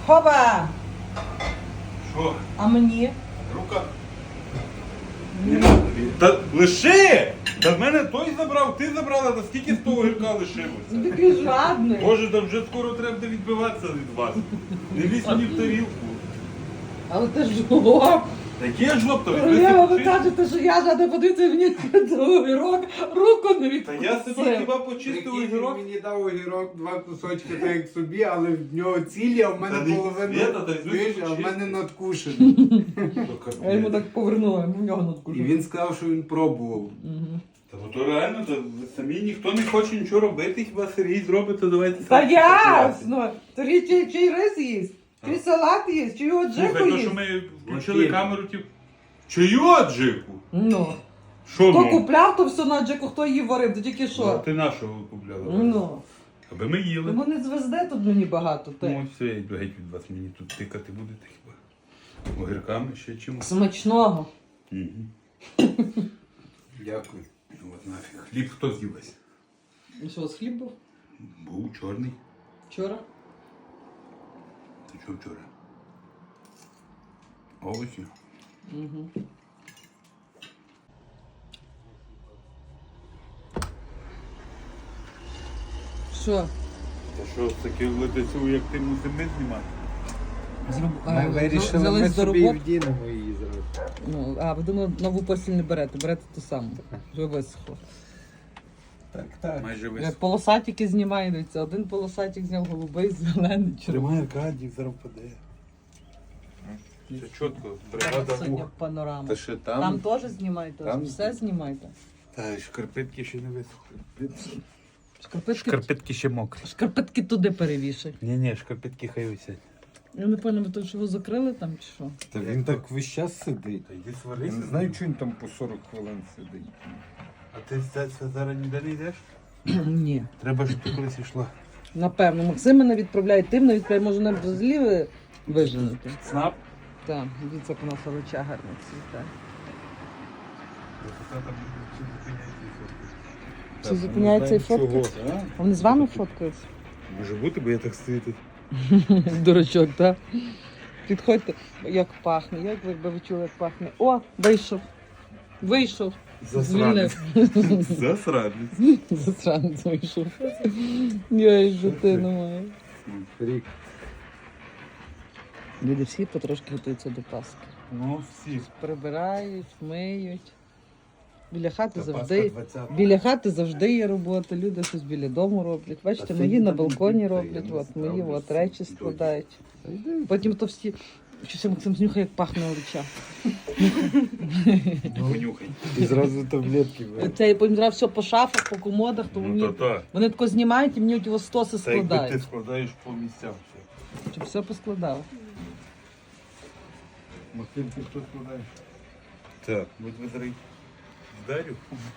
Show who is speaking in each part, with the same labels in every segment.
Speaker 1: Хоба!
Speaker 2: Що?
Speaker 1: А мені?
Speaker 2: Рука. Та лиши! Та в мене той забрав, ти забрала, та скільки з того гірка лишилося?
Speaker 1: Такий жадний.
Speaker 2: Боже, там вже скоро треба буде відбиватися від вас. Не лізь мені в тарілку.
Speaker 1: Але ти жлоб.
Speaker 2: Яке жлоб, то
Speaker 1: Королева, ви
Speaker 2: відбився.
Speaker 1: кажете, що я жадна, подивіться мені огірок, руку не
Speaker 2: Та я собі
Speaker 1: відпустив.
Speaker 2: хіба почистив
Speaker 3: Прикинь, він
Speaker 2: огірок.
Speaker 3: мені дав огірок, два кусочки, так як собі, але в нього цілі, а в
Speaker 2: Та
Speaker 3: мене
Speaker 2: не
Speaker 3: половина,
Speaker 2: Свята, та й
Speaker 3: знаєш, а в
Speaker 2: чисти.
Speaker 3: мене надкушений.
Speaker 1: Я йому так повернула, в нього
Speaker 3: І
Speaker 1: надкушив.
Speaker 3: він сказав, що він пробував.
Speaker 2: Та бо то реально, то ви самі ніхто не хоче нічого робити, хіба Сергій зробить, то давайте
Speaker 1: Та
Speaker 2: самі
Speaker 1: ясно! Торі чий рис їсть, чий салат їсть, чий його джеку
Speaker 2: Слухай, то що
Speaker 1: їсть.
Speaker 2: ми включили
Speaker 3: Окей.
Speaker 2: камеру, типу, чию аджику?
Speaker 1: Ну.
Speaker 2: Що
Speaker 1: Хто
Speaker 2: ну?
Speaker 1: купляв, то все на джеку, хто її варив, то тільки
Speaker 2: А
Speaker 1: що.
Speaker 2: ти нашого купляла?
Speaker 1: Ну.
Speaker 2: Аби ми їли.
Speaker 1: Тому не звезде тут мені багато.
Speaker 2: Ну,
Speaker 1: Ти.
Speaker 2: все, я йду геть від вас, мені тут тикати будете хіба. Огірками ще чимось.
Speaker 1: Смачного.
Speaker 3: Дякую.
Speaker 2: Ну от нафіг. Хліб хто з'їлась?
Speaker 1: І що, у вас хліб був?
Speaker 2: Був чорний.
Speaker 1: Вчора?
Speaker 2: Ти що вчора? Овочі.
Speaker 1: Угу. Що?
Speaker 2: Та що, таке летецю, як ти мусимо знімати?
Speaker 3: Ми вирішили,
Speaker 1: взялись
Speaker 3: ми
Speaker 1: до
Speaker 3: собі
Speaker 1: роботи.
Speaker 3: вдінемо її зразу.
Speaker 1: Ну, а ви думали, нову постіль не берете, берете ту саму. Вже висохло.
Speaker 3: Так, так.
Speaker 2: Майже весь.
Speaker 1: Як полосатики знімає, дивіться, один полосатик зняв голубий, зелений, червоний.
Speaker 3: Аркадій, зараз впаде.
Speaker 2: Це чітко, бригада
Speaker 1: Сьогодні
Speaker 2: мух.
Speaker 1: панорама.
Speaker 2: Та ще
Speaker 1: Там теж знімайте,
Speaker 2: там-
Speaker 1: все знімайте.
Speaker 2: Та шкарпетки ще не висохли.
Speaker 1: Шкарпетки,
Speaker 2: ще мокрі.
Speaker 1: шкарпетки туди перевішай.
Speaker 2: Ні, шкарпетки хай висять.
Speaker 1: Я не пам'ятаю, ви то, що ви закрили там чи що?
Speaker 3: Та він так весь час сидить.
Speaker 2: Та йди
Speaker 3: Я
Speaker 2: сварися.
Speaker 3: не знаю, чого він там по 40 хвилин сидить.
Speaker 2: А ти це зараз ніде не йдеш?
Speaker 1: Ні.
Speaker 2: Треба, щоб ти колись йшла.
Speaker 1: Напевно, Максим мене відправляє, ти мене відправляє, може нам взагалі виженути.
Speaker 2: Снап?
Speaker 1: Так, дивіться, як у нас овоча гарно цвіте. Чи зупиняється і фотка? А вони з вами фоткаються?
Speaker 2: Може бути, бо я так стою тут.
Speaker 1: Дурачок, так? Підходьте, як пахне, як ви чули, як пахне. О, вийшов. Вийшов.
Speaker 2: Засранець.
Speaker 1: Звільнив.
Speaker 2: Засранець.
Speaker 1: Засранець вийшов. Я і житину маю.
Speaker 3: Рік.
Speaker 1: Люди всі потрошки готуються до Пасхи.
Speaker 2: Ну, всі.
Speaker 1: Прибирають, миють. Біля хати
Speaker 3: Та
Speaker 1: завжди.
Speaker 3: Пасха 20-го.
Speaker 1: Біля хати завжди є робота, люди щось біля дому роблять. Бачите,
Speaker 3: Та
Speaker 1: мої
Speaker 3: це
Speaker 1: на
Speaker 3: ні,
Speaker 1: балконі
Speaker 3: я
Speaker 1: роблять,
Speaker 3: не
Speaker 1: от мої
Speaker 3: справлюсь
Speaker 1: от речі
Speaker 3: з
Speaker 1: складають.
Speaker 3: Та йди.
Speaker 1: Потім то всі. Щось Максим знюхає, як пахне олича.
Speaker 2: Понюхай.
Speaker 3: І зразу таблетки бере.
Speaker 1: Це я потім зразу все по шафах, по комодах, то
Speaker 2: Ну,
Speaker 1: мені,
Speaker 2: то-то.
Speaker 1: вони тако знімають і мені ті стоси
Speaker 2: Та якби ти
Speaker 1: складають.
Speaker 2: складаєш по місцям все.
Speaker 1: Щоб все поскладали.
Speaker 2: Максим, ти хто складаєш? Так, будь визрий. Вдарю.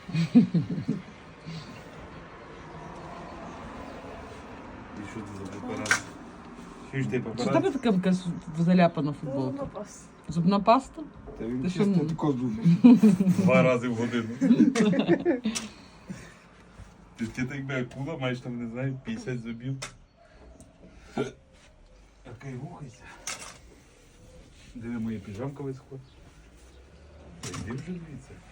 Speaker 2: І що це за препарат? Що ж ти
Speaker 1: Чи в
Speaker 2: препарат?
Speaker 1: тебе така якась заляпана футболка? Зубна паста?
Speaker 3: Та він
Speaker 1: Ти що,
Speaker 3: чисто
Speaker 1: ну?
Speaker 3: тако зуби.
Speaker 2: 2 рази в годину. Ти так би акула, маєш там, не знаю, 50 зубів. Окей, рухайся. Диви, моя піжамка висохла. Та йди вже звідси.